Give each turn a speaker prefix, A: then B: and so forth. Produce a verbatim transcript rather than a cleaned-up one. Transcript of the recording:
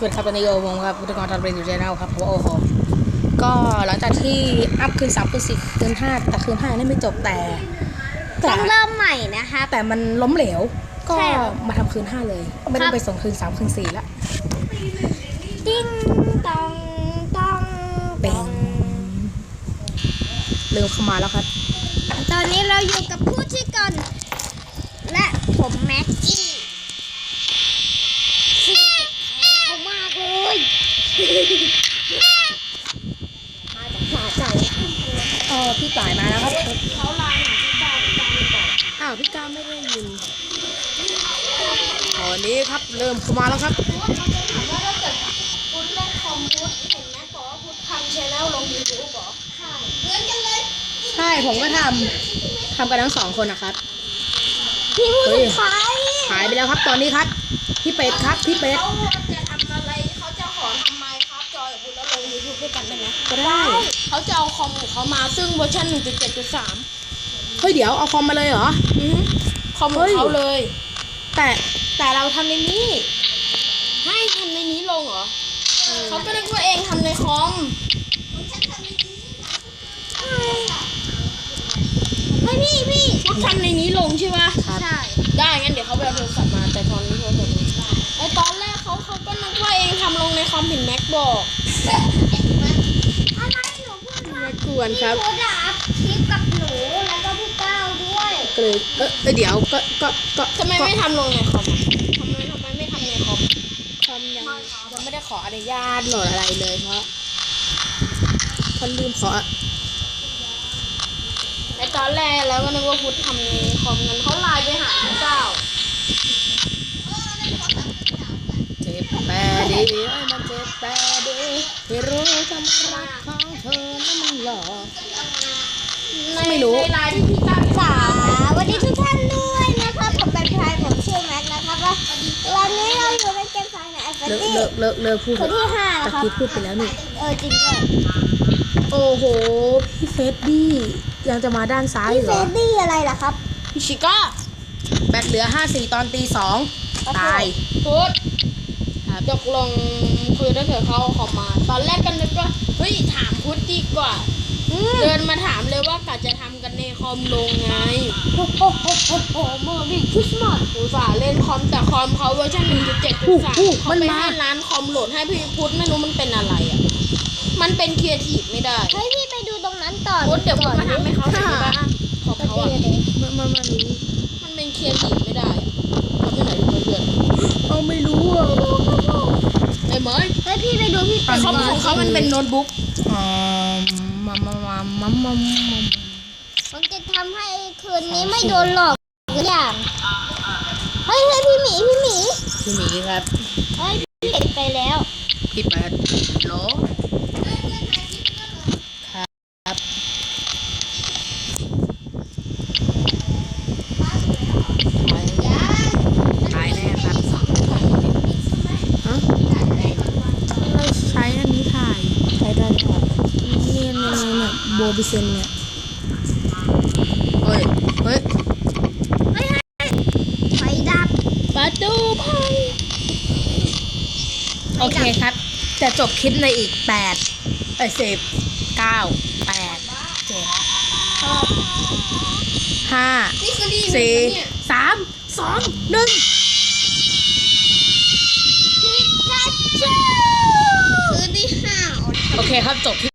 A: วัสดีครับตอนนี้โอวงครับพุทธกรทำเรนอยู่ในเราครับเพราะว่าโอ้โหก็หลังจากที่อัพคืนสามคืนสี่คืนห้าแต่คืนห้ายังไม่จบแต่แต่
B: ต้องเริ่มใหม่นะคะ
A: แต่มันล้มเหลวก็
B: ใช่ครับ
A: มาทำคืนห้าเลยไม่ต้องไปส่งคืนสามคืนสี่แล้ว
B: ติ้งตองตอง
A: เป็
B: ต
A: น
B: อง
A: เริ่มเข้ามาแล้วครับ
B: ตอนนี้เราอยู่กับผู้ที่ก่อนและผมแม็กกี้ซึ่งเจ็บแขนเขามากเลยมาจากสาใจ
A: เออพี่ต่ายมาแล้วครับ
B: เขาลาหาพี่การพี่การก่อน
A: อ้าวพี่ก้าไม่ได้ยินตอนนี้ครับเริ่มเข้ามาแล้วครับ
B: ถามว่าถ้าเกิดพุทธเล่นคอมพุทธเห็นแม็กบอกว่าพุทธทำชแนลลงยูทูบเหรอใช่เหมือนกันเลย
A: ใช่ผมก็ทำทำกันทั้งสองคนนะครับ
B: พี่พูดถึงใคร
A: หายไปแล้วครับตอนนี้ครับพี่เป็ดครับพี่เป็ด
B: เขาจะทำอะไรเขาจะขอทำไมครับจอยกับคุณแล้วลงยูทูบด้วยกันได้ไหม
A: ก็ได้
B: เขาจะเอาคอมของเขามาซึ่งเวอร์ชัน หนึ่งจุดเจ็ดจุดสาม
A: เฮ้ยเดี๋ยวเอาคอมมาเลยเหรอ
B: อือคอมของเขาเลย
A: แต่แต่เราทำในนี้
B: ให้ทำในนี้ลงเหรอเขาก็นึกว่าเองทำในคอมให้พี่พี่พุทธทำในนี้ลงใช่ปะ
A: ครับ
B: ใช่ได้งั้นเดี๋ยวเขาไปเอาโทรศัพท์มาแต่ตอนนี้โทรศัพท์ไอตอนแรกเขาเขาก็นึกว่าเองทำลงในคอมเห็นแม็กบอกอะไรหนูพูดว่าม
A: ากวนครับ
B: พี่พุทธอัพคลิปกับหนูแล้วก็พี่ก้าวด้วย
A: ก็เลยเออเออเดี๋ยวก็ก็ก็
B: ทำไมไม่ทำลงในคอมทำไมทำไมไม่ทำในคอม
A: คอมยังยังไม่ได้ขออนุญาตโหลดอะไรเลยเพราะคนลืมขอ
B: ไอตอนแรกแล้วก็นึกว่าพุทธทำในคอมงั้นเขาไลน์ไปหาพี่ก้าว
A: เจ็บแต่ดีเอ้ยมันเจ็บแต่ดีที่รู้จะมารักของเธอนั้นมันหลอก
B: ใน
A: ไม่รู้
B: ในไลน์ที่พี่ก้าวจ๋าสวัสดีทุกท่านด้วยนะครับผมเป็นพายผมชื่อแม็กนะครับว่าวันนี้เราอยู่ในเกมไฟในแอฟเฟ
A: เลิก
B: ตี้
A: เลิกเลิกเลิกพูด
B: คนที่ห้า
A: ตะ
B: นะครับ
A: กี้พูดไปแล้วนี่
B: เออจริงด้วย
A: โอ้โหพี่เฟสดี้ยังจะมาด้านซ้าย
B: พี่
A: เห
B: เฟ
A: รอ
B: ดดี้อะไรล่ะครับพี่ชิก้า
A: แบตเหลือห้าสี่ตอนตีสองตาย
B: พุทธตกลงคือถ้าเกิดเขาเอาคอมมา ตอนแรกก็นึกว่าเฮ้ยถามพุทธดีกว่า เดินมาถามเลยว่ากะจะทำกันในคอมลงไงโอ้โหโอ้โหโอ้โหเมื่อวิ่งคริสต์มาสอุตส่าห์เล่นคอมแต่คอมเขาเวอร์ชัน หนึ่งจุดเจ็ดจุดสาม เขาไปให้ร้านคอมโหลดให้พี่พุทธไม่รู้มันเป็นอะไรอ่ะ มันเป็นครีเอทีฟไม่ได้
C: เฮ้ยพี่ไปดูตรงนั้นต่อ
B: พุทธเดี๋ยวพุทธมาทำให้เขาหน่อยได้ปะของเขาอ่ะ
A: มันมันมันรู้
B: มันเป็นครีเอทีฟไม่ได้อะทำไม่ไหนดูเพื่อน
A: เอาไม่รู้อ่ะ
B: ๆไอ้เหมย
C: เฮ้ยพี่ไปดูพี่
B: แต่คอมของเขามันเป็นโน้ตบุ๊ก
A: อ๋อมามามามามามา
C: ผมจะทำให้คืนนี้ไม่โดนหลอกทุกอย่างเฮ้ยเฮ้ยพี่หมีพี่หมี
A: พี่หมีครับ
C: เฮ้ยพี่เด็กไปแล้ว
A: พี่แปดโหลครับถ่ายแน่ครับฮะเราใช้อันนี้ถ่าย
C: ใช้ได้ค่ะ
A: เนี่ยเนี่ยเนี่ยโบบิเซนเนี่ยเฮ้ยเฮ้ย
C: ไฟดับ
B: ประตูพัง
A: โอเคครับ จะจบคลิปในอีกแปดเอ้ยสิบเก้าแปดเจ็ดห้า
B: นี่คือดี
A: สี่
B: เนี่ย
A: สามสองหนึ่ง
C: พิกาจู
B: คือที่ห้า
A: โอเคครับจบคลิป